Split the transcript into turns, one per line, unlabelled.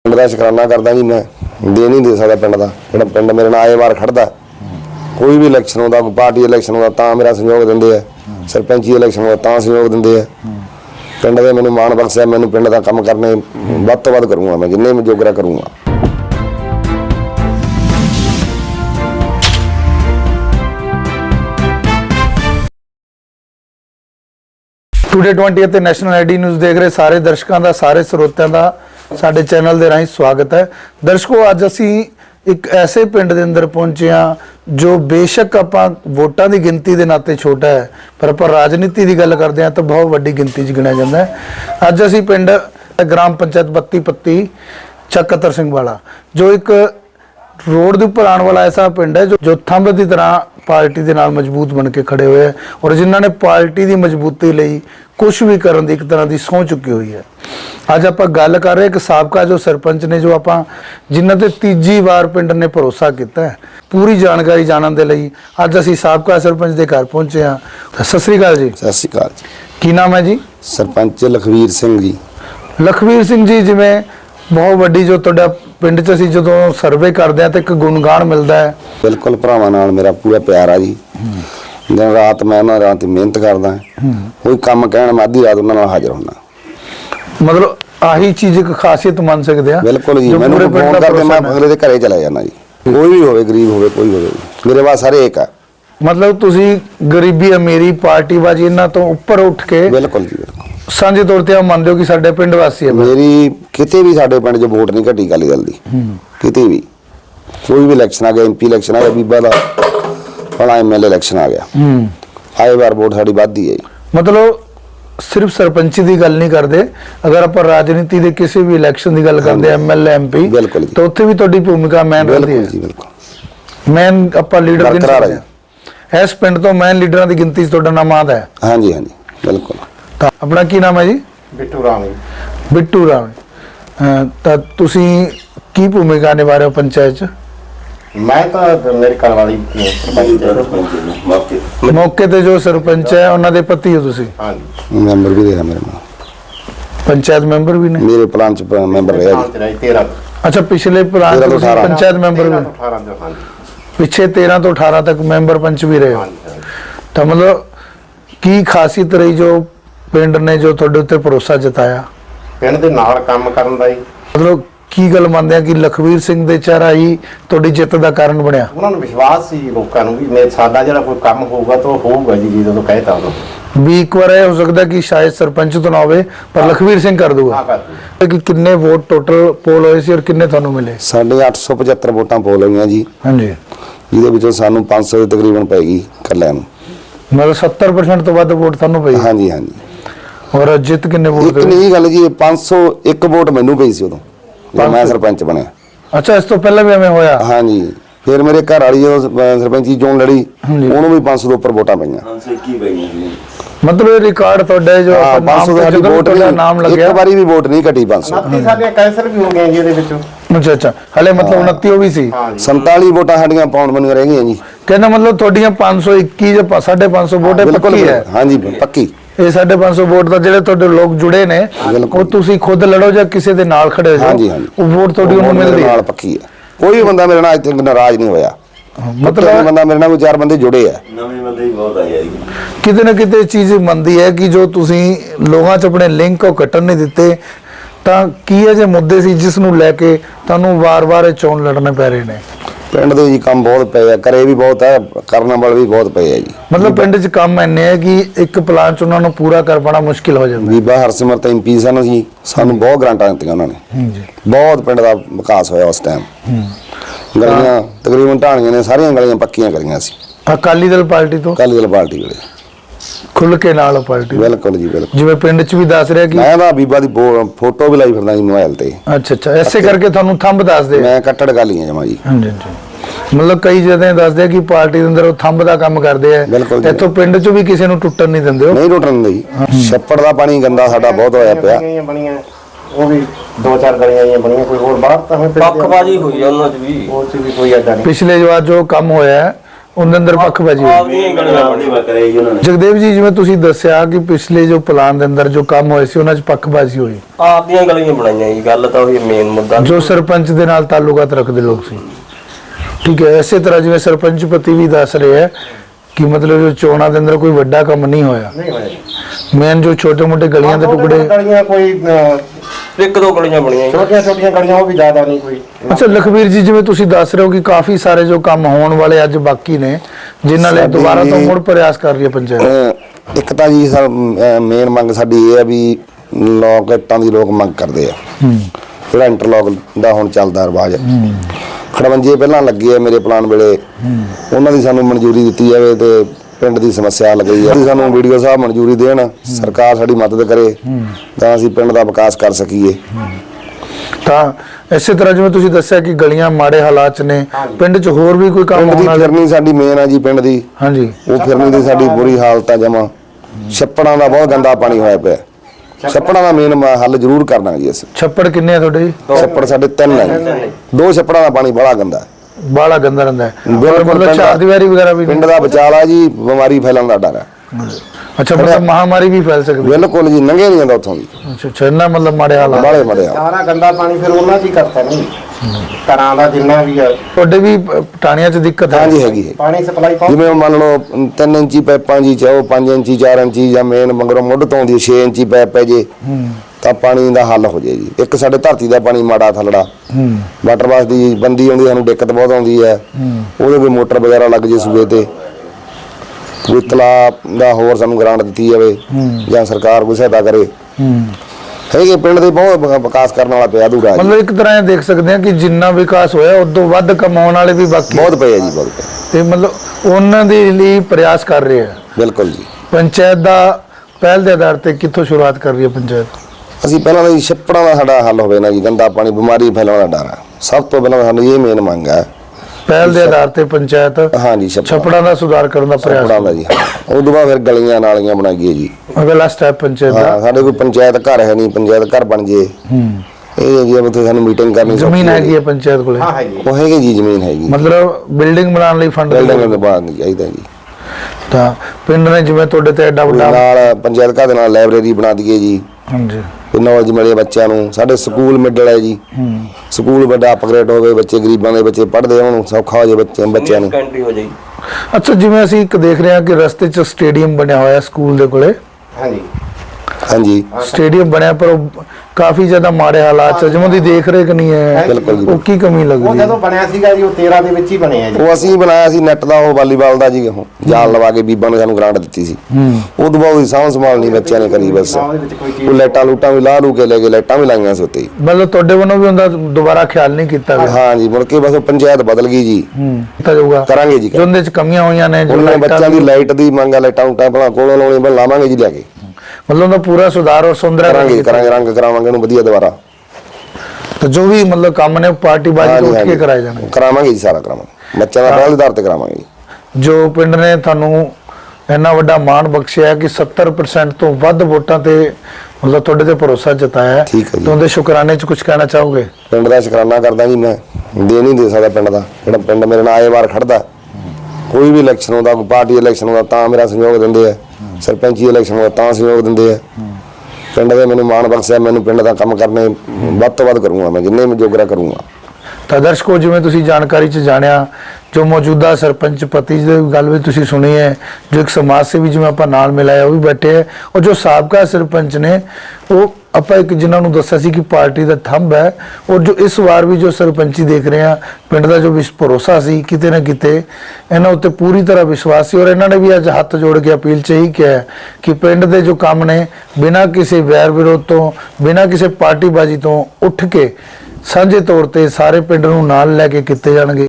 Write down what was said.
पिंड का शुकराना करदा जी। मैं दे नहीं दे सकता पिंड का जो पिंड मेरे नाल आए बार खड़दा। कोई भी इलैक्शन होता, कोई पार्टी इलैक्शन होता तां मेरा सहयोग देंदे है, सरपंची इलैक्शन होता तां सहयोग देंदे है। पिंड दे मैनूं माण बख्शिया, मैनूं पिंड दा काम करने वध तों वध करूँगा, मैं जिन्ने मैं जोगरा करूँगा।
टुडे 20 ਅਤੇ ਨੈਸ਼ਨਲ ਆਈਡੀ ਨਿਊਜ਼ ਦੇਖ ਰਹੇ ਸਾਰੇ ਦਰਸ਼ਕਾਂ ਦਾ, ਸਾਰੇ ਸਰੋਤਿਆਂ ਦਾ ਸਾਡੇ ਚੈਨਲ ਦੇ ਰਾਹੀਂ ਸਵਾਗਤ ਹੈ। ਦਰਸ਼ਕੋ, ਅੱਜ ਅਸੀਂ ਇੱਕ ਐਸੇ ਪਿੰਡ ਦੇ ਅੰਦਰ ਪਹੁੰਚੇ ਹਾਂ ਜੋ ਬੇਸ਼ੱਕ ਆਪਾਂ ਵੋਟਾਂ ਦੀ ਗਿਣਤੀ ਦੇ ਨਾਤੇ ਛੋਟਾ ਹੈ, ਪਰ ਆਪਾਂ ਰਾਜਨੀਤੀ ਦੀ ਗੱਲ ਕਰਦੇ ਹਾਂ ਤਾਂ ਬਹੁਤ ਵੱਡੀ ਗਿਣਤੀ 'ਚ ਗਿਣਿਆ ਜਾਂਦਾ ਹੈ। ਅੱਜ ਅਸੀਂ ਪਿੰਡ ਗ੍ਰਾਮ ਪੰਚਾਇਤ ਬੱਤੀ ਪੱਤੀ ਚੱਕਤਰ ਸਿੰਘ ਵਾਲਾ, ਜੋ ਇੱਕ रोड के उपर आने वाला ऐसा पिंड है जो थंब की तरह पार्टी के नाल मजबूत बन के खड़े हुए हैं और जिन्होंने पार्टी की मजबूती लई कुछ भी करने की एक तरह की सौं चुकी हुई है। अज आप गल कर रहे एक साबका जो सरपंच ने जो आप जिन्हों ते तीजी बार पिंड ने भरोसा किया है। पूरी जानकारी जानने के लिए अज असी साबका सरपंच के घर पहुंचे हाँ। सत श्री अकाल जी।
सत श्री अकाल जी।
की नाम है जी?
सरपंच लखवीर सिंह जी।
लखवीर सिंह जी, जिमें बहुत वड्डी जो तुहाडा पिंड च असीं जदों सर्वे करते हैं तो एक गुणगान मिलता है।
बिल्कुल, भरावां नाल मेरा पूरा प्यार आ जी। दिन रात मैं उन्हां रात मेहनत करदा, कोई काम कहण मैं आधी रात उन्हां नाल हाजिर होना।
मतलब आही चीज एक खासियत मान सकते हैं।
बिल्कुल जी, मैनूं फोन करके मैं अगले दे घरे चला जाना जी। कोई भी होवे, गरीब होवे, कोई होवे, मेरे पास सारे एक है।
मतलब तुसीं गरीबी अमीरी पार्टीबाजी इन्हां तो उपर उठ के
बिल्कुल जी बिल्कुल
सांझे तौर ते मानते हो कि साडे पिंड वासी है।
मेरी किते भी साडे पिंड च वोट नहीं घटी अकाली दल दी, किते भी कोई भी इलैक्शन आ गया, MP इलैक्शन आ गया, बीबा दा भला MLA इलैक्शन आ गया, आए बार वोट साडी वधदी है।
मतलब सिर्फ सरपंची की गल नहीं करते, अगर आप राजनीति के किसी भी इलैक्शन की गल करते MLA MP तो उत्थे भी तुहाडी भूमिका मैन रहती है।
बिल्कुल
मैन आप लीडर गिन इस पिंड तो मैन लीडर की गिनती तुहाडा नाम आता है।
हाँ जी, हाँ जी बिल्कुल।
अपना की नाम है जी?
बिट्टू राम।
बिट्टू राम। तो तुसी की भूमिका निभा रहे हो पंचायत च?
मैं तो मेरी घर वाली
मौके ते जो सरपंच है उन्हां दे पति हो तुसी?
हाँ जी।
मेंबर भी रहा मेरे नाल,
पंचायत मेंबर भी ने?
मेरे प्लान च मेंबर रहा जी।
13
अच्छा, पिछले प्लान च तुसी पंचायत मेंबर भी?
18 जो। हाँ जी,
पिछे 13 तो 18 तक मेंबर पंच भी रहे हो। तो मतलब की खासियत रही जो पिंड ने जो तुहाडे उत्ते भरोसा जताया?
पिंड दे नाल काम करन दा ही।
मतलब की गल मानदे हैं कि लखवीर सिंह दे चेहरा ही तुहाडी जिੱਤ ਦਾ ਕਾਰਨ ਬਣਿਆ?
ਉਹਨਾਂ ਨੂੰ ਵਿਸ਼ਵਾਸ ਸੀ ਲੋਕਾਂ ਨੂੰ ਵੀ ਮੈਂ ਸਾਡਾ ਜਿਹੜਾ ਕੋਈ ਕੰਮ ਹੋਊਗਾ ਤਾਂ ਹੋਊਗਾ ਜੀ, ਜਦੋਂ ਕਹਿਤਾ ਉਹਨੂੰ
ਵੀ ਇੱਕ ਵਾਰ ਇਹ ਹੋ ਸਕਦਾ ਕਿ ਸ਼ਾਇਦ ਸਰਪੰਚ ਤੋਂ ਨਾ ਹੋਵੇ ਪਰ ਲਖਵੀਰ ਸਿੰਘ ਕਰ ਦੂਗਾ।
ਹਾਂ, ਕਰ ਦੂਗਾ।
ਕਿ ਕਿੰਨੇ ਵੋਟ ਟੋਟਲ ਪੋਲ ਹੋਏ ਸੀ ਔਰ ਕਿੰਨੇ ਤੁਹਾਨੂੰ ਮਿਲੇ?
ਸਾਡੇ 875 ਵੋਟਾਂ ਪੋਲ ਹੋਈਆਂ ਜੀ।
ਹਾਂਜੀ,
ਜਿਹਦੇ ਵਿੱਚੋਂ ਸਾਨੂੰ 500 ਦੇ ਤਕਰੀਬਨ ਪੈ ਗਈ ਕੱਲਿਆਂ ਨੂੰ।
मतलब 70% तो ਵੱਧ ਵੋਟ ਤੁਹਾਨੂੰ ਪਈ?
हाँ जी, हाँ जी।
और ਜਿੱਤ ਕਿੰਨੇ ਵੋਟ
ਇੱਕ ਨਹੀਂ ਗੱਲ ਜੀ, 501 ਵੋਟ ਮੈਨੂੰ ਪਈ ਸੀ ਉਦੋਂ ਜਦੋਂ ਮੈਂ ਸਰਪੰਚ ਬਣਿਆ।
ਅੱਛਾ, ਇਸ ਤੋਂ ਪਹਿਲਾਂ ਵੀ ਐਵੇਂ ਹੋਇਆ?
ਹਾਂ ਜੀ। ਫਿਰ ਮੇਰੇ ਘਰ ਵਾਲੀ ਜਦੋਂ ਸਰਪੰਚੀ ਚੋਣ ਲੜੀ ਉਹਨੂੰ ਵੀ 500 ਤੋਂ ਉੱਪਰ ਵੋਟਾਂ ਪਈਆਂ। 501 ਪਈਆਂ।
मतलब ਇਹ ਰਿਕਾਰਡ ਤੁਹਾਡਾ ਜੋ
500 ਦੀ ਵੋਟ
ਨਾਮ ਲੱਗਿਆ,
ਇੱਕ ਵਾਰੀ ਵੀ ਵੋਟ ਨਹੀਂ ਘਟੀ 500।
29 ਸਾਡੀਆਂ ਕੈਂਸਲ ਵੀ ਹੋ ਗਈਆਂ ਜੀ ਇਹਦੇ ਵਿੱਚੋਂ।
ਅੱਛਾ ਅੱਛਾ, ਹਲੇ ਮਤਲਬ 29 ਉਹ ਵੀ ਸੀ।
47 ਵੋਟਾਂ ਸਾਡੀਆਂ ਪਾਉਣ ਮੈਨੂੰ ਰਹਿ ਗਈਆਂ ਜੀ।
ਕਹਿੰਦਾ ਮਤਲਬ ਤੁਹਾਡੀਆਂ 521 ਜਾਂ 550 ਵੋਟ ਪੱਕੀ ਹੈ?
ਹਾਂ ਜੀ, ਪੱਕੀ।
ਇਹ 550 ਵੋਟ ਦਾ ਜਿਹੜੇ ਤੁਹਾਡੇ ਲੋਕ ਜੁੜੇ ਨੇ ਉਹ ਤੁਸੀਂ ਖੁਦ ਲੜੋ ਜਾਂ ਕਿਸੇ ਦੇ ਨਾਲ ਖੜੇ ਹੋ ਜਾਓ, ਉਹ ਵੋਟ ਤੁਹਾਡੀ ਉਹਨੂੰ ਮਿਲਦੀ ਹੈ?
ਪੱਕੀ ਹੈ। ਕੋਈ ਬੰਦਾ ਮੇਰੇ ਨਾਲ ਇੱਥੇ ਨਾਰਾਜ਼ ਨਹੀਂ ਹੋਇਆ। मतलब ਬੰਦਾ ਮੇਰੇ ਨਾਲ ਕੋਈ 4 ਬੰਦੇ ਜੁੜੇ ਆ, ਨਵੇਂ ਬੰਦੇ ਵੀ ਬਹੁਤ ਆਏ ਆ।
ਕਿਤੇ ਨਾ ਕਿਤੇ ਚੀਜ਼ ਮੰਨਦੀ ਹੈ ਕਿ ਜੋ ਤੁਸੀਂ ਲੋਕਾਂ 'ਚ ਆਪਣੇ ਲਿੰਕ ਉਹ ਕੱਟਣ ਨਹੀਂ ਦਿੱਤੇ ਤਾਂ ਕੀ ਹੈ ਜੇ ਮੁੱਦੇ ਸੀ ਜਿਸ ਨੂੰ ਲੈ ਕੇ ਤੁਹਾਨੂੰ ਵਾਰ-ਵਾਰ ਚੋਣ ਲੜਨੇ ਪੈ ਰਹੇ ਨੇ?
ਪਿੰਡ ਦੇ ਜੀ ਕੰਮ ਬਹੁਤ ਪਏ ਆ, ਕਰੇ ਵੀ ਬਹੁਤ ਹੈ, ਕਰਨ ਵਾਲੇ ਵੀ ਬਹੁਤ ਪਏ ਆ ਜੀ।
ਮਤਲਬ ਪਿੰਡ 'ਚ ਕੰਮ ਇੰਨੇ ਹੈ ਕਿ ਇੱਕ ਪਲਾਨ 'ਚ ਉਹਨਾਂ ਨੂੰ ਪੂਰਾ ਕਰ ਪਾਉਣਾ ਮੁਸ਼ਕਿਲ ਹੋ ਜਾਂਦਾ।
ਬੀਬਾ ਹਰਸਿਮਰਤ MP ਸਨ ਜੀ, ਸਾਨੂੰ ਬਹੁਤ ਗ੍ਰਾਂਟਾਂ ਦਿੱਤੀਆਂ ਉਹਨਾਂ ਨੇ ਜੀ, ਬਹੁਤ ਪਿੰਡ ਦਾ ਵਿਕਾਸ ਹੋਇਆ ਉਸ ਟਾਈਮ। ਗਲੀਆਂ ਤਕਰੀਬਨ ਢਾਣੀਆਂ ਨੇ, ਸਾਰੀਆਂ ਗਲੀਆਂ ਪੱਕੀਆਂ ਕਰੀਆਂ ਸੀ
ਅਕਾਲੀ ਦਲ ਪਾਰਟੀ ਤੋਂ।
ਅਕਾਲੀ ਦਲ ਪਾਰਟੀ ਵੇਲੇ
ਖੁੱਲ ਕੇ ਨਾਲ ਪਾਰਟੀ।
ਬਿਲਕੁਲ ਜੀ ਬਿਲਕੁਲ।
ਜਿਵੇਂ ਪਿੰਡ 'ਚ ਵੀ ਦੱਸ ਰਿਹਾ ਕਿ
ਮੈਂ ਤਾਂ ਬੀਬਾ ਦੀ ਫੋਟੋ ਵੀ ਲਾਈ ਫਿਰਦਾ ਜੀ ਮੋਬਾਈਲ ਤੇ।
ਅੱਛਾ ਅੱਛਾ, ਐਸੇ ਕਰਕੇ ਤੁਹਾਨੂੰ ਥੰਬ ਦੱਸਦੇ?
ਮੈਂ ਕੱਟੜ ਗਾਲੀਆਂ ਜਮਾ ਜੀ।
ਹਾਂਜੀ ਹਾਂਜੀ, ਮਤਲਬ ਕਈ ਜਗ੍ਹਾ ਦੱਸਦੇ ਕਿ ਪਾਰਟੀ ਦੇ ਅੰਦਰ ਉਹ ਥੰਬ ਦਾ ਕੰਮ ਕਰਦੇ ਆ, ਇੱਥੋਂ ਪਿੰਡ 'ਚ ਵੀ ਕਿਸੇ ਨੂੰ ਟੁੱਟਣ ਨਹੀਂ ਦਿੰਦੇ ਹੋ?
ਨਹੀਂ ਟੁੱਟਣ ਦਿੰਦੇ ਜੀ। ਛੱਪੜ ਦਾ ਪਾਣੀ ਗੰਦਾ ਸਾਡਾ ਬਹੁਤ ਹੋਇਆ ਪਿਆ।
ਬਣੀਆਂ ਉਹ ਵੀ 2-4 ਗਲੀਆਂ ਆਈਆਂ ਬਣੀਆਂ, ਕੋਈ ਹੋਰ ਬਾਹਰ ਤਾਂ ਹੋਵੇ
ਪੱਖਬਾਜੀ ਹੋਈ ਉਹਨਾਂ 'ਚ ਵੀ,
ਉਹ 'ਚ ਵੀ ਕੋਈ ਐਡਾ ਨਹੀਂ।
ਪਿਛਲੇ ਵਾਰ ਜੋ ਕੰਮ ਹੋਇਆ ਉਹਦੇ ਅੰਦਰ ਪੱਖਬਾਜ਼ੀ ਹੋਈ।
ਆਪਦੀਆਂ ਗਲੀਆਂ ਬਣੀਆਂ ਕਰਾਈ ਉਹਨਾਂ ਨੇ,
ਜਗਦੇਵ ਜੀ, ਜਿਵੇਂ ਤੁਸੀਂ ਦੱਸਿਆ ਕਿ ਪਿਛਲੇ ਜੋ ਪਲਾਨ ਦੇ ਅੰਦਰ ਜੋ ਕੰਮ ਹੋਏ ਸੀ ਉਹਨਾਂ 'ਚ ਪੱਖਬਾਜ਼ੀ ਹੋਈ,
ਆਪਦੀਆਂ ਗਲੀਆਂ ਬਣਾਈਆਂ ਜੀ। ਗੱਲ ਤਾਂ ਉਹੀ ਮੇਨ ਮੁੱਦਾ
ਜੋ ਸਰਪੰਚ ਦੇ ਨਾਲ ਤਾਲੁਕਾਤ ਰੱਖਦੇ ਲੋਕ ਸੀ। ਠੀਕ ਹੈ, ਇਸੇ ਤਰ੍ਹਾਂ ਜਿਵੇਂ ਸਰਪੰਚ ਪਤੀ ਵੀ ਦੱਸ ਰਹੇ ਹੈ ਕਿ ਮਤਲਬ ਜੋ ਚੋਣਾਂ ਦੇ ਅੰਦਰ ਕੋਈ ਵੱਡਾ ਕੰਮ ਨਹੀਂ ਹੋਇਆ,
ਨਹੀਂ ਹੋਇਆ ਜੀ।
ਮੇਨ ਜੋ ਛੋਟੇ ਮੋਟੇ ਗਲੀਆਂ ਦੇ ਟੁਕੜੇ।
ਗਲੀਆਂ ਕੋਈ
ਇੱਕ ਦੋ ਗਲੀਆਂ ਬਣੀਆਂ ਜੀ।
ਛੋਟੀਆਂ ਛੋਟੀਆਂ ਗਲੀਆਂ, ਉਹ ਵੀ ਜ਼ਿਆਦਾ ਨਹੀਂ ਕੋਈ।
ਅੱਛਾ ਲਖਵੀਰ ਜੀ, ਜਿਵੇਂ ਤੁਸੀਂ ਦੱਸ ਰਹੇ ਹੋ ਕਿ ਕਾਫੀ ਸਾਰੇ ਜੋ ਕੰਮ ਹੋਣ ਵਾਲੇ ਅੱਜ ਬਾਕੀ ਨੇ, ਜਿਨ੍ਹਾਂ ਲਈ
ਸਾਡੀ-
ਦੁਬਾਰਾ ਤੋਂ ਮੁੜ ਪ੍ਰਯਾਸ ਕਰ ਰਹੀ ਹੈ ਪੰਚਾਇਤ।
ਇੱਕ ਤਾਂ ਜੀ ਮੇਨ ਮੰਗ ਸਾਡੀ ਇਹ ਹੈ ਵੀ ਲੋਕ ਇੱਟਾਂ ਦੀ ਲੋਕ ਮੰਗ ਕਰਦੇ ਆ, ਜਿਹੜਾ ਇੰਟਰਲੋਕ ਦਾ ਹੁਣ ਚੱਲਦਾ ਰਿਵਾਜ, ਖੜਵੰਜੇ ਪਹਿਲਾਂ ਲੱਗੇ ਆ ਮੇਰੇ ਪਲਾਨ ਵੇਲੇ, ਉਹਨਾਂ ਦੀ ਸਾਨੂੰ ਮਨਜ਼ੂਰੀ ਦਿੱਤੀ ਜਾਵੇ ਤੇ ਪਿੰਡ ਦੀ ਸਮੱਸਿਆ ਹੱਲ ਗਈ ਹੈ। ਸਾਨੂੰ ਵੀਡੀਓ ਸਾਹਿਬ ਮਨਜ਼ੂਰੀ ਦੇਣ, ਸਰਕਾਰ ਸਾਡੀ ਮਦਦ ਕਰੇ ਤਾਂ ਅਸੀਂ ਪਿੰਡ ਦਾ ਵਿਕਾਸ ਕਰ ਸਕੀਏ।
ਤਾਂ ਇਸੇ ਤਰ੍ਹਾਂ ਜਿਵੇਂ ਤੁਸੀਂ ਦੱਸਿਆ ਕਿ ਗਲੀਆਂ ਮਾੜੇ ਹਾਲਾਤ 'ਚ ਨੇ, ਪਿੰਡ 'ਚ ਹੋਰ ਵੀ ਕੋਈ ਕੰਮ
ਪਿੰਡ ਦੀ
ਹੋਣਾ?
ਫਿਰਨੀ ਸਾਡੀ ਮੇਨ ਆ ਜੀ ਪਿੰਡ ਦੀ,
ਹਾਂਜੀ,
ਉਹ ਫਿਰਨੀ ਦੀ ਸਾਡੀ ਬੁਰੀ ਹਾਲਤ ਆ ਜਮਾ। ਛੱਪੜਾਂ ਦਾ ਬਹੁਤ ਗੰਦਾ ਪਾਣੀ ਹੋਇਆ ਪਿਆ, ਛੱਪੜਾਂ ਦਾ ਮੇਨ ਹੱਲ ਜ਼ਰੂਰ ਕਰਨਾ ਜੀ ਅਸੀਂ।
ਛੱਪੜ ਕਿੰਨੇ ਆ ਤੁਹਾਡੇ ਜੀ?
ਛੱਪੜ ਸਾਡੇ 3 ਆ ਜੀ, 2 ਛੱਪੜਾਂ ਦਾ ਪਾਣੀ ਬੜਾ ਗੰਦਾ ਹੈ।
ਬਾਲਾ ਗੰਦਾ ਰਹਿੰਦਾ ਹੈ,
ਬਿਲਕੁਲ
ਮਤਲਬ
ਪਿੰਡ
ਚਾਰ ਦੀਵਾਰੀ ਵਗੈਰਾ ਵੀ
ਪਿੰਡ ਦਾ ਬਚਾਅ ਆ ਜੀ, ਬਿਮਾਰੀ ਫੈਲਣ ਦਾ ਡਰ ਹੈ।
ਅੱਛਾ, ਮਤਲਬ ਮਹਾਮਾਰੀ ਵੀ ਫੈਲ ਸਕਦੀ ਹੈ।
ਬਿਲਕੁਲ ਜੀ, ਲੰਘੇ ਨਹੀਂ ਜਾਂਦਾ ਉੱਥੋਂ ਦੀ,
ਅੱਛਾ ਅੱਛਾ, ਇੰਨਾ ਮਤਲਬ ਮਾੜੇ ਹਾਲਾਤ।
ਬਾਲੇ ਮੜੇ ਆ।
ਸਾਰਾ ਗੰਦਾ ਪਾਣੀ ਫਿਰ ਉਹਨਾਂ 'ਚ ਹੀ ਕਰਤਾ ਨਹੀਂ, ਘਰਾਂ ਦਾ ਜਿੰਨਾ ਵੀ ਆ
ਤੁਹਾਡੇ ਵੀ ਟਾਣੀਆਂ 'ਚ ਦਿੱਕਤ ਹੈ?
ਹਾਂਜੀ ਹੈਗੀ ਹੈ।
ਪਾਣੀ ਸਪਲਾਈ
ਜਿਵੇਂ ਮੰਨ ਲਓ 3 ਇੰਚੀ ਪਾਈਪਾਂ ਜੀ ਚਾਹੋ 5 ਇੰਚੀ 4 ਇੰਚੀ ਜਾਂ ਮੇਨ ਮਗਰੋਂ ਮੁੱਢ ਤੋਂ ਦੀ 6 ਇੰਚੀ ਪਾਈਪ ਹੈ ਜੀ, ਤਾਂ ਪਾਣੀ ਦਾ ਹੱਲ ਹੋ ਜਾਏ ਜੀ। ਇੱਕ ਸਾਡੇ ਧਰਤੀ ਦਾ ਪਾਣੀ ਮਾੜਾ ਥਲੜਾ, ਵਾਟਰ ਬਾਕਸ ਦੀ ਬੰਦੀ ਆਉਂਦੀ, ਸਾਨੂੰ ਦਿੱਕਤ ਬਹੁਤ ਆਉਂਦੀ ਹੈ, ਉਹਦੇ ਕੋਈ ਮੋਟਰ ਵਗੈਰਾ ਲੱਗ ਜੇ ਸੂਏ ਤੇ, ਕੋਈ ਤਲਾਬ ਦਾ ਹੋਰ ਸਾਨੂੰ ਗ੍ਰਾਂਟ ਦਿੱਤੀ ਜਾਵੇ ਜਾਂ ਸਰਕਾਰ ਕੋਈ ਸਹਾਇਤਾ ਕਰੇ। ਹੈਗੇ ਪਿੰਡ ਦੇ ਬਹੁਤ ਵਿਕਾਸ ਕਰਨ ਵਾਲਾ ਪਿਆ ਅਧੂਰਾ ਜੀ,
ਮਤਲਬ ਇੱਕ ਤਰ੍ਹਾਂ ਇਹ ਦੇਖ ਸਕਦੇ ਹਾਂ ਕਿ ਜਿੰਨਾ ਵਿਕਾਸ ਹੋਇਆ ਉਦੋਂ ਵੱਧ ਕਮਾਉਣ ਵਾਲੇ ਵੀ ਬਾਕੀ,
ਬਹੁਤ ਪਏ ਆ ਜੀ, ਬਹੁਤ ਪਏ।
ਤੇ ਮਤਲਬ ਉਹਨਾਂ ਦੇ ਲਈ ਪ੍ਰਯਾਸ ਕਰ ਰਹੇ ਆ।
ਬਿਲਕੁਲ ਜੀ,
ਪੰਚਾਇਤ ਦਾ ਪਹਿਲ ਦੇ ਆਧਾਰ ਤੇ ਕਿੱਥੋਂ ਸ਼ੁਰੂਆਤ ਕਰ ਰਹੀ ਹੈ ਪੰਚਾਇਤ?
ਅਸੀਂ ਪਹਿਲਾਂ ਤਾਂ ਜੀ ਛੱਪੜਾਂ ਦਾ ਸਾਡਾ ਹੱਲ ਹੋਵੇ ਨਾ ਜੀ, ਗੰਦਾ ਪਾਣੀ ਬਿਮਾਰੀ ਫੈਲਣ ਦਾ ਡਰ ਹੈ, ਸਭ ਤੋਂ ਪਹਿਲਾਂ ਸਾਨੂੰ ਇਹ ਮੇਨ ਮੰਗ ਹੈ।
ਪਹਿਲ ਦੇ ਆਧਾਰ ਤੇ ਪੰਚਾਇਤ
ਹਾਂਜੀ
ਛੱਪੜਾਂ ਦਾ ਸੁਧਾਰ ਕਰਨ ਦਾ ਪ੍ਰਯਾਸ।
ਛੱਪੜਾਂ ਦਾ ਜੀ, ਉਹ ਤੋਂ ਬਾਅਦ ਫਿਰ ਗਲੀਆਂ ਨਾਲੀਆਂ ਬਣਾਈਏ ਜੀ।
ਅਗਲਾ ਸਟੈਪ ਪੰਚਾਇਤ ਦਾ।
ਹਾਂ, ਸਾਡੇ ਕੋਈ ਪੰਚਾਇਤ ਘਰ ਹੈ ਨਹੀਂ, ਪੰਚਾਇਤ ਘਰ ਬਣ ਜੇ। ਇਹ ਜੀ ਉੱਥੇ ਸਾਨੂੰ ਮੀਟਿੰਗ ਕਰਨੀ
ਜ਼ਮੀਨ ਹੈਗੀ ਹੈ ਪੰਚਾਇਤ ਕੋਲੇ?
ਹਾਂ ਹੈਗੀ।
ਉਹ ਹੈਗੀ ਜੀ, ਜ਼ਮੀਨ ਹੈਗੀ,
ਮਤਲਬ ਬਿਲਡਿੰਗ ਬਣਾਉਣ ਲਈ ਫੰਡ
ਬਿਲਡਿੰਗ ਦੇ ਬਾਅਦ ਨਹੀਂ ਚਾਹੀਦਾ ਜੀ।
ਤਾਂ ਪਿੰਡ ਨੇ ਜਿਵੇਂ ਤੁਹਾਡੇ ਤੇ ਐਡਾ ਵੱਡਾ,
ਨਾਲ ਪੰਚਾਇਤ ਘਰ ਦੇ ਨਾਲ ਲਾਇਬ੍ਰੇਰੀ ਬਣਾ ਦਈਏ ਜੀ,
ਹਾਂਜੀ,
ਨੌਲੇਜ ਮਿਲੇ ਬੱਚਿਆਂ ਨੂੰ। ਸਾਡੇ ਸਕੂਲ ਮਿਡਲ ਹੈ ਜੀ, ਸਕੂਲ ਵੱਡਾ ਅਪਗ੍ਰੇਡ ਹੋਵੇ, ਬੱਚੇ ਗਰੀਬਾਂ ਦੇ ਬੱਚੇ ਪੜ੍ਹਦੇ ਉਹਨੂੰ ਸੌਖਾ ਹੋ ਜਾਏ ਬੱਚਿਆਂ ਨੂੰ।
ਕੰਟਰੀ ਹੋ ਜਾਈ।
ਅੱਛਾ, ਜਿਵੇਂ ਅਸੀਂ ਇੱਕ ਦੇਖ ਰਹੇ ਹਾਂ ਕਿ ਰਸਤੇ 'ਚ ਸਟੇਡੀਅਮ ਬਣਿਆ ਹੋਇਆ ਸਕੂਲ ਦੇ ਕੋਲੇ,
ਹਾਂਜੀ।
ਹਾਂਜੀ
ਸਟੇਡੀਅਮ ਬਣਿਆ ਪਰ ਉਹ ਕਾਫੀ ਜ਼ਿਆਦਾ ਮਾੜੇ ਹਾਲਾਤ 'ਚ, ਜਿਵੇਂ ਦੀ ਦੇਖ ਰੇਖ ਨਹੀਂ ਹੈ,
ਬਿਲਕੁਲ ਜੀ।
ਉਹ ਕੀ ਕਮੀ
ਉਹ
ਲੱਗਦੀ ਹੈ?
ਜਦੋਂ ਬਣਿਆ ਸੀਗਾ ਜੀ, ਉਹ 13 ਦੇ ਵਿੱਚ ਹੀ ਬਣਿਆ ਜੀ।
ਉਹ ਅਸੀਂ ਬਣਾਇਆ ਸੀ ਨੈਟ ਦਾ, ਉਹ ਵਾਲੀਬਾਲ ਦਾ ਜੀ, ਉਹ ਜਾਲ ਲਵਾ ਕੇ ਬੀਬਾਂ ਨੇ ਸਾਨੂੰ ਗ੍ਰਾਂਟ ਦਿੱਤੀ ਸੀ। ਉਹ ਤੋਂ ਬਾਅਦ ਸਾਂਭ ਸੰਭਾਲ ਨਹੀਂ ਬੱਚਿਆਂ ਨੇ ਕਰੀ, ਬਸ
ਉਹਦੇ ਵਿੱਚ ਕੋਈ ਚੀਜ਼
ਉਹ ਲਾਈਟਾਂ ਲੂਟਾਂ ਵੀ ਲਾ ਲੂ ਕੇ ਲੈ ਕੇ, ਲਾਈਟਾਂ ਵੀ ਲਾਈਆਂ ਸੀ ਉੱਤੇ ਹੀ।
ਮਤਲਬ ਤੁਹਾਡੇ ਵੱਲੋਂ ਵੀ ਉਹਦਾ ਦੁਬਾਰਾ ਖਿਆਲ ਨਹੀਂ ਕੀਤਾ ਗਿਆ?
ਹਾਂ ਜੀ, ਮੁੜ ਕੇ ਬਸ ਉਹ ਪੰਚਾਇਤ ਬਦਲ ਗਈ ਜੀ।
ਕੀਤਾ ਜਾਊਗਾ,
ਕਰਾਂਗੇ ਜੀ,
ਜੋ ਉਹਦੇ 'ਚ ਕਮੀਆਂ ਹੋਈਆਂ ਨੇ, ਜੋ
ਉਹਨਾਂ
ਲਾਈਟਾਂ
ਬੱਚਿਆਂ ਦੀ ਲਾਈਟ ਦੀ ਮੰਗ ਆ, ਲਾਈਟਾਂ ਲੂਟਾਂ ਭਲਾ ਕੋਲੋਂ ਲਾਉਣੀ ਬਣ ਲਾਵਾਂਗੇ ਜੀ, ਲਿਆ ਕੇ
ਮਤਲਬ ਉਹਦਾ ਪੂਰਾ ਸੁਧਾਰ ਔਰ ਸੁੰਦਰੀਕਰਨ
ਕਰਾਂਗੇ ਰੰਗ ਕਰਾਵਾਂਗੇ ਉਹਨੂੰ ਵਧੀਆ ਦੁਬਾਰਾ।
ਤੇ ਜੋ ਵੀ ਮਤਲਬ ਕੰਮ ਨੇ ਪਾਰਟੀ ਬਾਜੀ ਤੋਂ ਉੱਠ ਕੇ ਕਰਾਏ ਜਾਣਗੇ।
ਕਰਾਵਾਂਗੇ ਜੀ, ਸਾਰਾ ਕਰਾਵਾਂਗੇ, ਬੱਚਿਆਂ ਦਾ ਪਹਿਲ ਦੇ ਆਧਾਰ ਤੇ ਕਰਾਵਾਂਗੇ ਜੀ।
ਜੋ ਪਿੰਡ ਨੇ ਤੁਹਾਨੂੰ ਇੰਨਾ ਵੱਡਾ ਮਾਣ ਬਖਸ਼ਿਆ ਕਿ 70% ਤੋਂ ਵੱਧ ਵੋਟਾਂ ਤੇ ਮਤਲਬ ਤੁਹਾਡੇ ਤੇ ਭਰੋਸਾ ਜਤਾਇਆ ਹੈ,
ਠੀਕ ਹੈ ਜੀ।
ਤੇ ਉਹਦੇ ਸ਼ੁਕਰਾਨੇ 'ਚ ਕੁਝ ਕਹਿਣਾ ਚਾਹੋਗੇ?
ਪਿੰਡ ਦਾ ਸ਼ੁਕਰਾਨਾ ਕਰਦਾ ਜੀ ਮੈਂ, ਦੇ ਨਹੀਂ ਦੇ ਸਕਦਾ ਪਿੰਡ ਦਾ, ਜਿਹੜਾ ਪਿੰਡ ਮੇਰੇ ਨਾਲ ਆਏ ਵਾਰ ਖੜਦਾ, ਕੋਈ ਵੀ ਇਲੈਕਸ਼ਨ ਹੁੰਦਾ, ਕੋਈ ਪਾਰਟੀ ਇਲੈਕਸ਼ਨ ਹੁੰਦਾ ਤਾਂ ਮੇਰਾ ਸਹਿਯੋਗ ਦਿੰਦੇ ਆ, ਸਰਪੰਚੀ ਇਲੈਕਸ਼ਨ ਹੁੰਦਾ ਤਾਂ ਸਹਿਯੋਗ ਦਿੰਦੇ ਆ। ਪਿੰਡ ਦੇ ਮੈਨੂੰ ਮਾਣ ਬਖਸ਼ਿਆ, ਮੈਨੂੰ ਪਿੰਡ ਦਾ ਕੰਮ ਕਰਨੇ ਵੱਧ ਤੋਂ ਵੱਧ ਕਰੂੰਗਾ ਮੈਂ, ਜਿੰਨੇ ਵੀ ਜੋਗਰਾ ਕਰੂੰਗਾ।
ਤਾਂ ਦਰਸ਼ਕੋ, ਜਿਵੇਂ ਤੁਸੀਂ ਜਾਣਕਾਰੀ 'ਚ ਜਾਣਿਆ, ਜੋ ਮੌਜੂਦਾ ਸਰਪੰਚ ਪਤੀ ਦੀ ਗੱਲ ਵੀ ਤੁਸੀਂ ਸੁਣੀ ਹੈ, ਜੋ ਇੱਕ ਸਮਾਜ ਸੇਵੀ ਜਿਵੇਂ ਆਪਾਂ ਨਾਲ ਮਿਲਾਇਆ ਉਹ ਵੀ ਬੈਠੇ ਹੈ, ਔਰ ਜੋ ਸਾਬਕਾ ਸਰਪੰਚ ਨੇ ਉਹ ਆਪਾਂ ਇੱਕ ਜਿਨ੍ਹਾਂ ਨੂੰ ਦੱਸਿਆ ਸੀ ਕਿ ਪਾਰਟੀ ਦਾ ਥੰਬ ਹੈ, ਔਰ ਜੋ ਇਸ ਵਾਰ ਵੀ ਜੋ ਸਰਪੰਚੀ ਦੇਖ ਰਹੇ ਆ, ਪਿੰਡ ਦਾ ਜੋ ਭਰੋਸਾ ਸੀ ਕਿਤੇ ਨਾ ਕਿਤੇ ਇਹਨਾਂ ਉੱਤੇ ਪੂਰੀ ਤਰ੍ਹਾਂ ਵਿਸ਼ਵਾਸ ਸੀ, ਔਰ ਇਹਨਾਂ ਨੇ ਵੀ ਅੱਜ ਹੱਥ ਜੋੜ ਕੇ ਅਪੀਲ 'ਚ ਇਹੀ ਕਿਹਾ ਕਿ ਪਿੰਡ ਦੇ ਜੋ ਕੰਮ ਨੇ ਬਿਨਾਂ ਕਿਸੇ ਵੈਰ ਵਿਰੋਧ ਤੋਂ, ਬਿਨਾਂ ਕਿਸੇ ਪਾਰਟੀਬਾਜ਼ੀ ਤੋਂ ਉੱਠ ਕੇ ਸਾਂਝੇ ਤੌਰ ਤੇ ਸਾਰੇ ਪਿੰਡ ਨੂੰ ਨਾਲ ਲੈ ਕੇ ਕੀਤੇ ਜਾਣਗੇ।